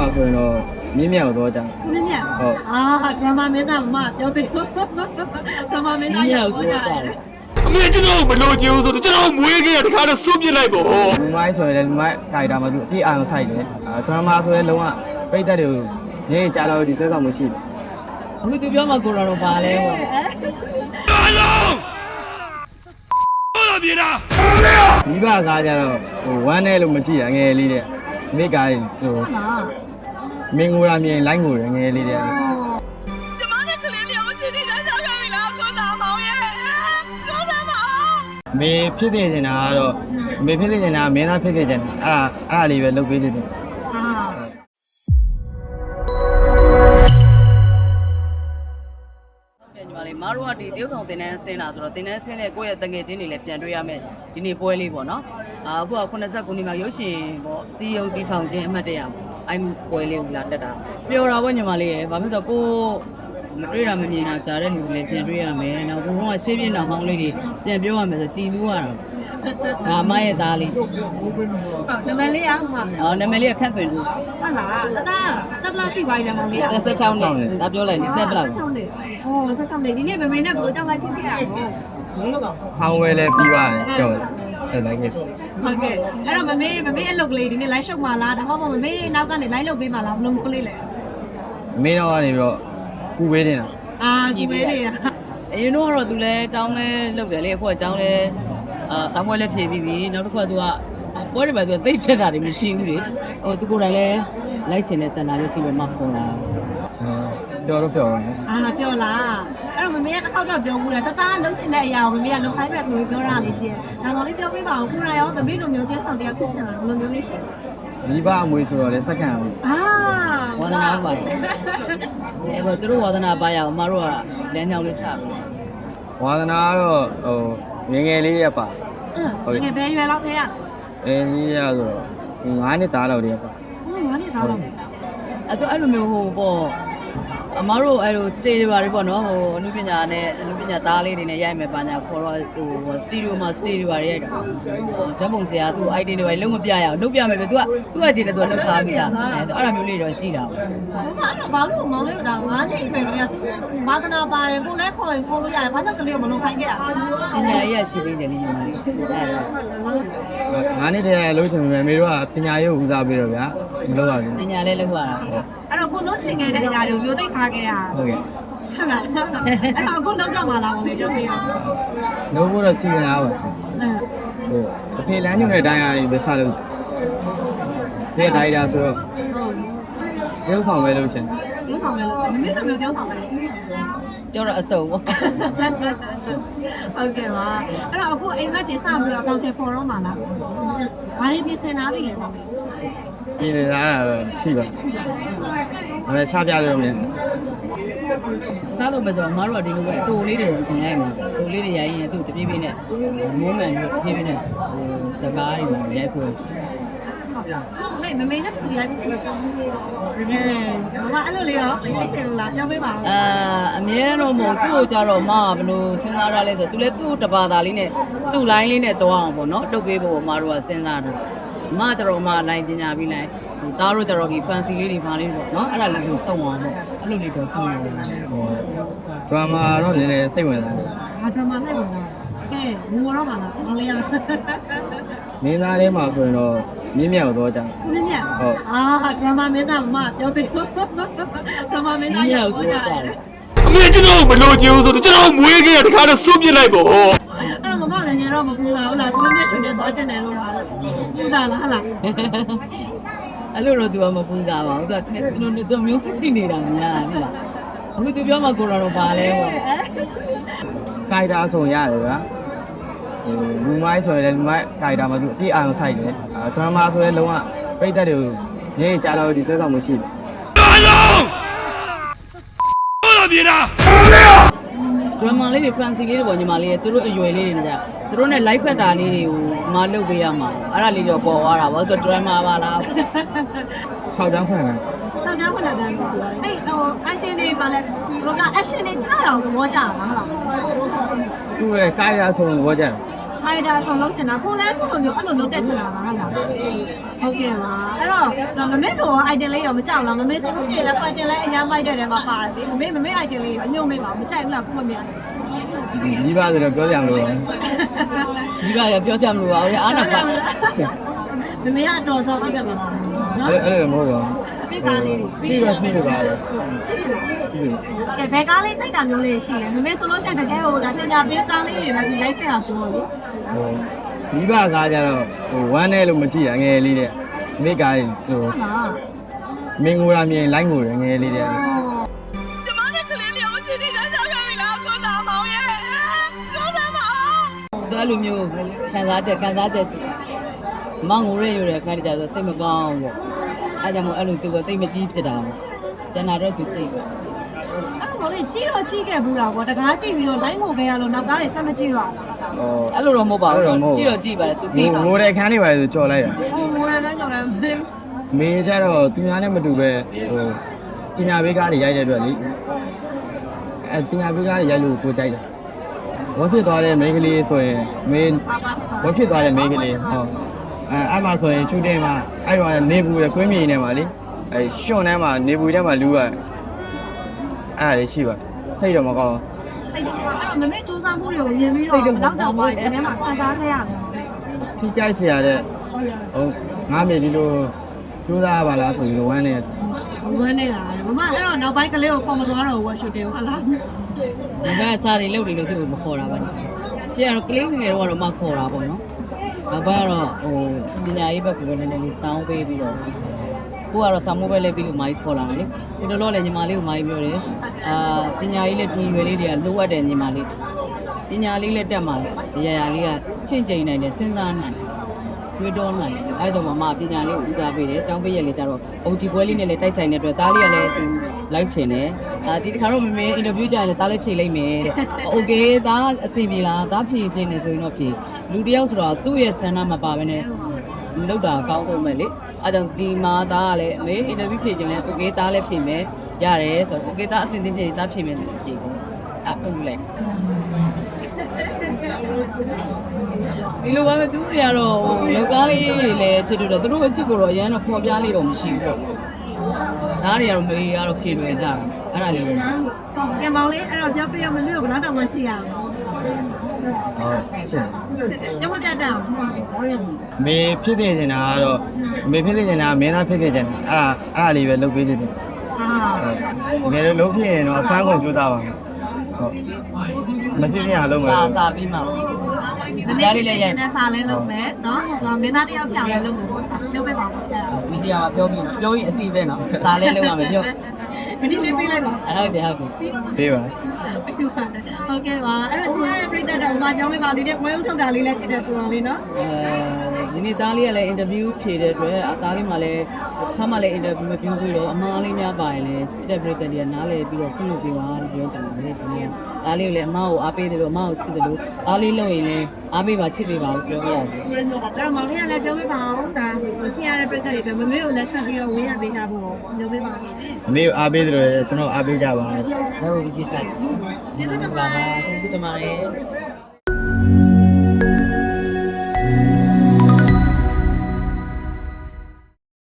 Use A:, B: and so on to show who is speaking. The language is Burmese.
A: မှာဆိုရင်တော့မြင်းမြောက်တော့ကြာ
B: မြင်းမြောက်ဟုတ်ဒရမာမင်းသားမပြောပေးဒရမာမင်းသားရောက်တော့ကြာ
C: အမေကျွန်တော်မလို့ချင်ဘူးဆိုတော့ကျွန်တော်မွေးခဲ့ရတခါတော့စွန့်ပစ်လိုက်ပေါ့
A: လူမိုင်းဆိုရင်လည်းလူမိုင်းခိုင်တာမှသူအပြည့်အာရုံစိုက်တယ်ဒရမာဆိုရင်လုံးဝပြိတ္တတွေကိုညနေကြာတော့ဒီဆွဲဆောင်မှုရှိတယ်
D: အခုသူပြောမှကိုရောတော့ပါလဲပေါ့
C: အားလုံးဟုတ်လား
A: ဒီဘကားကြတော့ဟိုဝမ်းနဲ့လို့မကြည့်ရငယ်လေးတဲ့မိကားဟိုမင်းငိုရမြင်လိုက်ငိုရငယ်လေးတဲ့
E: ကျမနဲ့ကလေးလေးကိုချင်းချင်းချာချာခဲ့ပြီလားကိုနာမောင်ရဲ့ပြောစမ်းပါ
A: မေဖြစ်နေနေတာကတော့မေဖြစ်နေနေတာမင်းသားဖြစ်နေတယ်အဲ့ဒါလေးပဲလုပ်ပေးနေတယ်
D: ညီမလေးမတို့ကဒီတရုတ်ဆောင်တင်တန်းဆင်းလာဆိုတော့တင်တန်းဆင်းတဲ့ကိုယ့်ရဲ့တငယ်ချင်းတွေလည်းပြန်တွေ့ရမယ်ဒီနေ့ပွဲလေးပေါ့နော်အခုက89နှစ်မှာရုပ်ရှင်ပေါ့စီယုံတီထောင်ခြင်းအမှတ်တရအဲ့ပွဲလေးကိုလာတက်တာပျော်တာပေါ့ညီမလေးရဲ့ဘာဖြစ်လို့ကိုမတွေ့တာမမြင်တာကြားတဲ့လူတွေလည်းပြန်တွေ့ရမယ်နောက်ဘုံကရှေ့ပြင်းတော်ဟောင်းလေးတွေပြန်ပြောရမယ်ဆိုကြည်လူးရတာဒါမရဲ့သားလေး
B: နာမည်လေးအောင်ပါ
D: နာမည်လေးကခန့်သွင်းသူ
B: ဟုတ်လားတက်ဘလောက်ရှိပါလဲမောင်လေး
D: 16နှစ်ဒါပြောလိုက်နေတက်ဘလောက်
B: 16နှစ်ဟော16နှစ်ဒီနေ့မမေနဲ့ဘိုးကြောင့်လိုက်ဖြစ်ခဲ့ရတော့
A: ဆောင်းဝဲလဲပြီးပါတယ်ကြော်တယ်လိုက်ခဲ့
B: ဟုတ်ကဲ့အဲ့တော့မမေအလုပ်ကလေးဒီနေ့ live ရှုပ်မှာလားဒါမှမဟုတ်မမေနောက်ကနေ live လုပ်ပေးမှာလားဘလို့မကလေးလဲ
A: မင်းတော့ကနေပြီးတော့ကူဝေးနေတာ
B: ကူဝေးနေတာ
D: အရင်တော့သူလဲအကြောင်းလဲလုပ်တယ်လေအခုကအကြောင်းလဲဆောင်းပွဲလည်းဖြည့်ပြီးပြီနောက်တစ်ခါသူကပွဲတွေပဲသူသိတက်တာတွေမရှိဘူးလေဟိုသူကိုယ်တိုင်လည်းလိုက်ချင်တဲ့စင်တာလေးရှိပဲမှဖုန်းလာ
A: ပြောတော့ပြောတော့
B: ပြောလားအဲ့တော့မမေကတစ်ခေါက်တော့ပြောဘူးလေတသားလုံးချင်တဲ့အရာကိုမမေကလုံခိုင်းမယ်ဆိုပြီးပြောတာလေးရှိတယ်ဒါမှလည်းပြောပြပါဦးကိုရာရောမမေလိုမျိုးတရားဆောင်တရားဖြစ်ချင်တာဘယ်လိုမျိုးလေးရှိ
A: လဲမိဘအမွေဆိုတော့လည်းစက္ကန့်ဘူး
D: ဝါသနာပါတယ်အဲ့တော့သူတို့ဝါသနာပါရအောင်မတို့ကလမ်းကြောင်းလေးချပြီ
A: ဝါသနာကတော့ဟိုငယ်ငယ်လေးရပါ
B: ဟုတ်ကဲ့ဘယ်ရွယ်လောက်ခဲ့ရ
A: ကြီးရဆိုတော့9နှစ်သားလောက်တည်းပါ
B: 9နှစ်သားလောက်
D: အဲ့လိုမျိုးဟိုပေါ့အမတို့အဲ့လို stage တွေပါတွေပေါ့နော်ဟိုအနုပညာသားလေးတွေနဲ့ရိုက်မယ်ပါညာခေါ်တော့ဟို studio မှာ stage တွေပါရိုက်တာဓာတ်ပုံဆရာသူ idea တွေပါလုံးမပြရအောင်လုပ်ပြမယ်ပဲသူက idea နဲ့သူလုပ်ထားပြီးတာအဲ့ဒါမျိုးလေးတော့ရှိတာ
B: ပေါ့ဘာလို့မောင်လေးကဒါ9နှစ်ပဲကသူဘာသနာပါတယ်ကိုလည်းခေါ်ရင်ခေါ်လို့ရတယ်ဘာကြောင့်ကလေးကိုမလုပ်ခိုင်းခဲ့ရ
D: ပညာရေးရှိသေးတယ်ညီမလေးအဲ့ဒါ
A: 9နှစ်တည်းလုံးချင်မယ်မေတို့ကပညာရေးကိုဦးစားပေးတော့ဗျာမလုပ်ရဘူး
D: ပညာလည်းလုပ်ရတာ
B: အဲ့တော့ကိုလုံးချင်ခဲ့တဲ့အရာတွေကိုမျိုးသိခါခဲ့ရ
A: ဟုတ်ကဲ့
B: ဟုတ်လားအဲ့တော့ကိုလုံးတော့မှာလားကိုပြောပြရအောင်
A: လုံးဖို့တော့စီစဉ်ရပါဟိုအဖေလမ်းညွှန်တဲ့အတိုင်းအားပဲဆက်လို့ဒီအတိုင်းဒါဆိုတော့ရုပ်ဆောင်ပဲလို့ရှင်
B: ရုပ်ဆောင်ပဲလို့မင်းတို့မျိုးရုပ်ဆောင်ပဲ
D: ကျော်တော့အစုံပေါ့
B: ဟုတ်ကဲ့ပါအဲ့တော့အခုအိမ်မက်တင်စပြီးတော့တောင်းတယ်ပေါ်တော့မှာလားဘာတွေပြင်ဆင်ထားပြီလဲတော့
A: ပြင်နေတာရှိပါဒါပေမဲ့ချပြလို့မရ
D: စားလို့မဆိုအမားတို့ကဒီလိုပဲအတူလေးတွေအရှင်ရိုက်မှာအတူလေးတွေရိုက်ရင်သူ့တပြေးပြေးနဲ့မိုးမှန်ပြီးပြေးပြေးနဲ့စကားတွေမှာရိုက်ဖို့ရှိ
B: တယ်မမေနဲ့စပီရိုက်ပြီးချင်တယ်မမအဲ့လိုလေးရောသိချင်လို့လားပြောပေးပါဦး
D: အမြဲတမ်းတော့မဟုတ်သူ့ကိုကြတော့မဘယ်လိုစဉ်းစားရလဲဆိုသူလည်းသူ့တဘာသာလေးနဲ့သူ့ line လေးနဲ့တွားအောင်ပေါ့နော်တုတ်ပေးဖို့အမားတို့ကစဉ်းစားတာအမကျတော့အမ line ပညာပြီးလိုက်ဟိုသားတို့ကျတော့ဒီ fancy လေးတွေပါလေးပေါ့နော်အဲ့ဒါလေးကိုစုံအောင်ပေါ့အဲ့လိုလေးတော့စုံအောင်
A: ဒရာမာတော့နည်းနည်းစိတ်ဝင်စားတယ်
B: ဒရာမာစိတ်ဝင်စားကဲငိုတော့ပါလားမောင်လေးရ
A: မင်းသားထဲမှာဆိုရင်တော့မြင်းမြောက်တော့ကြာ
B: မြင်းမြောက်ဟုတ်ဒရာမာမင်းသားမပြောပေးဒရာမာမင်းသား
D: ရောက်တော့ကြာ
C: အမေကျွန်တော်မလို့ချင်ဘူးဆိုတော့ကျွန်တော်မွေးခဲ့ရတခါတော့စွန့်ပစ်လိုက်ပေါ့
B: အဲ့တော့မမလည်းငယ်တော့မပူတာဟုတ်လားကိုမြင့်ရှင်နဲ့သွားချင်တယ်လို့ပါပူတာလားလား
D: အဲ့လိုတော့သူကမပူစားပါဘူးသူမျိုးစစ်ချင်နေတာများတယ်အခုသူပြောမှကိုရောတော့ပါလဲပေါ့
A: ခိုင်တာဆိုရတယ်ဗျာလူမိုင်းဆိုရင်လည်းလူမိုင်းခိုင်တာမှသူအပြည့်အာရုံစိုက်တယ်ဒရမာဆိုရင်လုံးဝပြိတ္တတွေကိုညနေကြာတော့ဒီဆွဲဆောင်မှုရှိတယ်
C: အားလုံးဟုတ်လား
D: ဒရမာလေးတွေ fancy လေးတွေပေါ့ညီမလေးသူတို့အရွယ်လေးတွေနဲ့ကြာသူတို့နဲ့ live factor လေးတွေကိုမလုပ်ပေးရမှာအဲ့ဒါလေးတော့ပေါ်သွားတာပေါ့သူ drama ပါလား
A: 6တန်းဖွင့်တယ်
B: 6တန်းဖွင့်တယ်အဲ့ဟို item တွေပါလဲဒီက action တွေချတာကိုသဘောကျတာဟုတ်လား
A: သူ့ရဲ့ကာယအဆုံးသဘောကျတယ်
B: ကာယအဆုံးလုံးချင်တာကိုလည်းသူ့လိုမျိုးအဲ့လိုလုပ်တတ်ချင်တာလားဟုတ်လားဟုတ်ကဲ့ပါအဲ့တော့မမေတို့ item လေးတော့မကြောက်လားမမေဆိုလို့ရှိရင်လည်း item လေးအများမိုက်တဲ့ထဲမှာပါတယ်လေမမေ item လေးအညုံမေးပါမကြိုက်ဘူးလားခုမမြင်
A: မိဘဆိုတော့ပြောကြမလို့
D: ဒီကရပြောစရာမလိုပါဘူးအားနာပါ
B: မမေကအတော်ဆုံးဟုတ်တယ်ပါနော်
A: အဲ့လိုမဟုတ်ပါ
B: စပီကာလေး
A: ဘူးကြည့်လို့ပါလေကြည့်လို့
B: ကဲဘယ်ကားလေးစိတ်တာမျိုးလေးရှိလဲမမေဆိုလို့တကယ်ဟိုဒါပညာပေးကားလေးတွေလည်းဒီလိုက်ခဲ့တာဆိုတော့လေ
A: ဟိုမိဘကားကြတော့ဟိုဝမ်းနဲ့လို့မကြည့်ရငယ်လေးတဲ့မိကားဟို
B: ဟုတ်လား
A: မင်းငိုရမြင်လိုက်ငိုရငယ်လေးတဲ့
E: ကျမနဲ့ကလေးလေးကိုရှင်းနေတာကြောက်ခဲ့ပြီလားကိုသားမောင်ရဲ့ကိုသားမောင်
D: သူအဲ့လိုမျိုးခံစားချက်စီမောင်ငိုရဲရတဲ့အခါကျတော့စိတ်မကောင်းဘူးအဲ့ကြောင့်မို့အဲ့လိုသူကတိတ်မကြီးဖြစ်တာပေါ့ကျန်တာတော့သူကြည့်ပဲ
B: အဲ့တော့လေကြီးတော့ကြီးခဲ့ဘူးလားကွာတကားကြည့်ပြီးတော့လိုင်းငိုခဲ့ရလို့နောက်ကားတွေဆက်မကြည့်တော့
A: ဟို
D: အဲ့လိုတော့မဟုတ်ပါဘူးကြည့်တော့ကြည့်ပါတယ်သူသိပါ
A: ငိုတဲ့ခန်းတွေပါဆိုကြော်လိုက်တာ
B: ဟိုငိုရတဲ့ကြောင့်လည်းမသိဘူး
A: မေကြတော့သူများနဲ့မတူပဲဟိုပညာပေးကားတွေရိုက်တဲ့အတွက်လေအဲပညာပေးကားတွေရိုက်လို့ကိုကြိုက်တယ်ဝတ်ဖြစ်သွားတဲ့မိန်းကလေးဆိုရင်မင်းဝတ်ဖြစ်သွားတဲ့မိန်းကလေးဟောအဲ့မှာဆိုရင်ချူတင်မှာအဲ့တော့နေပူရကွင်းမြေနေမှာလေအဲရှွန်ထဲမှာနေပူထဲမှာလူကအဲ့ဒါလေးရှိပါစိတ်တော့မကောင်း
B: စိတ်တော့အဲ့တော့မမေစူးစမ်းမှုတွေကိုမြင်ပြီးတော့လောက်တော့ပါဒီထဲမှာခံစားခဲ့ရတယ်
A: ထိကြိုက်เสียတဲ့ဟိုငါမေဒီလိုကြိုးစားပါလားဆိုပြီးဝမ်းနေ
B: ဝမ်းနေတာမမအဲ့တော့နောက်ပိုင်းကလေးကိုပုံမသွားတော့ဝတ်ရှုပ်တယ်ဟုတ်လား
D: ဒီကစားတွေလုပ်နေလို့သူ့ကိုမခေါ်တာပါနဲ့ရှေ့ကတော့ကလေးငယ်တော့မှခေါ်တာပေါ့နော်နောက်ပိုင်းကတော့ဟိုပညာရေးဘက်ကလည်းနည်းနည်းလေးစောင်းပေးပြီးတော့ကိုကတော့စာမိုးပဲလဲပြီးလို့မာကြီးခေါ်လာတယ်လေဒီတော့လည်းညီမလေးကိုမာကြီးပြောတယ်ပညာရေးလည်းဒီရွယ်လေးတွေကလိုအပ်တယ်ညီမလေးပညာလေးလည်းတက်မှာလေရရလေးကချင့်ချိန်နိုင်တယ်စဉ်းစားနိုင်တယ်တွေးတောနိုင်တယ်အဲကြောင့်မပညာလေးကိုဦးစားပေးတယ်အကြောင်းပေးရက်လေးကြတော့အုံဒီပွဲလေးနဲ့လည်းတိုက်ဆိုင်တဲ့အတွက်သားလေးကလည်းသူလိုက်ချင်တယ်ဒီတစ်ခါတော့မမေအင်တာဗျူးကြရင်လည်းသားလေးဖြေလိုက်မယ်တဲ့โอเคသားအစီပြေလားသားဖြေခြင်းနဲ့ဆိုရင်တော့ဖြေလူတယောက်ဆိုတော့သူ့ရဲ့ဆန္ဒမပါဘဲနဲ့လောက်တာအကောင်းဆုံးပဲလေအဲကြောင့်ဒီမှာသားကလည်းအမေအင်တာဗျူးဖြေခြင်းလဲโอเคသားလည်းဖြေမယ်ရတယ်ဆိုတော့โอเคသားအစင်သင်းဖြေသားဖြေမယ်ဆိုဖြေကုန်အခုလိုက်ဒီလိုပါပဲသူတွေကတော့ယောက်ျားလေးတွေလည်းဖြစ်တော့သူတို့အချစ်ကိုတော့အရန်တော့ပေါ်ပြလေးတော့မရှိဘူးပေါ့ဒါတွေကတော့မေးကတော့ဖြေလွယ်ကြတယ်အဲ့ဒါလေးပဲ
B: ကံမောင်လေးအဲ့တော့ပြောပြရမလို့ဘယ်တော့တောင်မှချစ်ရအောင်
A: ဟုတ်ရှင်း
B: ညမပြတ်တော့
A: မေဖြစ်နေနေတာကတော့မေဖြစ်နေနေတာမင်းသားဖြစ်နေတယ်အဲ့ဒါလေးပဲလုပ်ပေးနေတယ်
B: အာ
A: ငယ်လုံးဖြစ်ရင်တော့အစွမ်းကုန်ကြိုးစားပါမယ်ဟုတ်မဖြစ်ပြန်အောင်လုပ်မယ်
D: စာပြီးမှ
B: ဒီနေ့လေးလည်းရိုက်နေစားလဲလုပ်မယ်နော်မင်းသားတယောက်ပြောင်းလဲလုပ်မယ်ပေါ့လုပ်ပေးပါဦးအဲ့ဒါ
D: မီဒီယာမှာပြောပြီးတော့ပြောရင်အတိပဲနော်စာလဲလုံးရမယ်ပြော
B: မင်းလေးပေးလိုက်ပါ
D: ဟုတ်တယ်
A: ပေးပါ
B: ဟုတ်ကဲ့ပါအဲ့တော့ချင်းရတဲ့ပြည်သက်တော်မှာကြောင်းလေးပါလေးနဲ့ပွဲဥထုတ်တာလေးလည်းဖြစ်တယ်ဆိုတော့လေနော်
D: ဒီနေ့သားလေးကလည်းအင်တာဗျူးဖြေတဲ့အတွက်အသားလေးမှလည်းခါမှလည်းအင်တာဗျူးမပြုပြီးတော့အမားလေးများပါရင်လည်းစစ်တဲ့ပြည်သက်တွေကနားလဲပြီးတော့ခုလုပ်ပေးပါလို့ပြောကြတယ်ဒီနေ့သားလေးကိုလည်းအမားကိုအားပေးတယ်လို့အမားကိုချစ်တယ်လို့သားလေးလုပ်ရင်လည်းအားပေးပါချစ်ပေးပါလို့ပြောပြရစီ
B: အဲ့တော့မောင်လေးကလည်းပြောပြပါအောင်ဒါချင်းရတဲ့ပြည်သက်တွေပဲမမေကိုလည်းဆက်ပြီးတော့ဝေးရသေးချဖို့ပြောပြပါဦး
A: အမေကိုအားပေးတယ်လို့ကျွန်တော်အားပေးကြပါ
D: ဟုတ်ပြီကြည့်ချင်
B: ကျေးဇူးတင်ပါ
D: ကျေးဇူးတင်ပါတယ်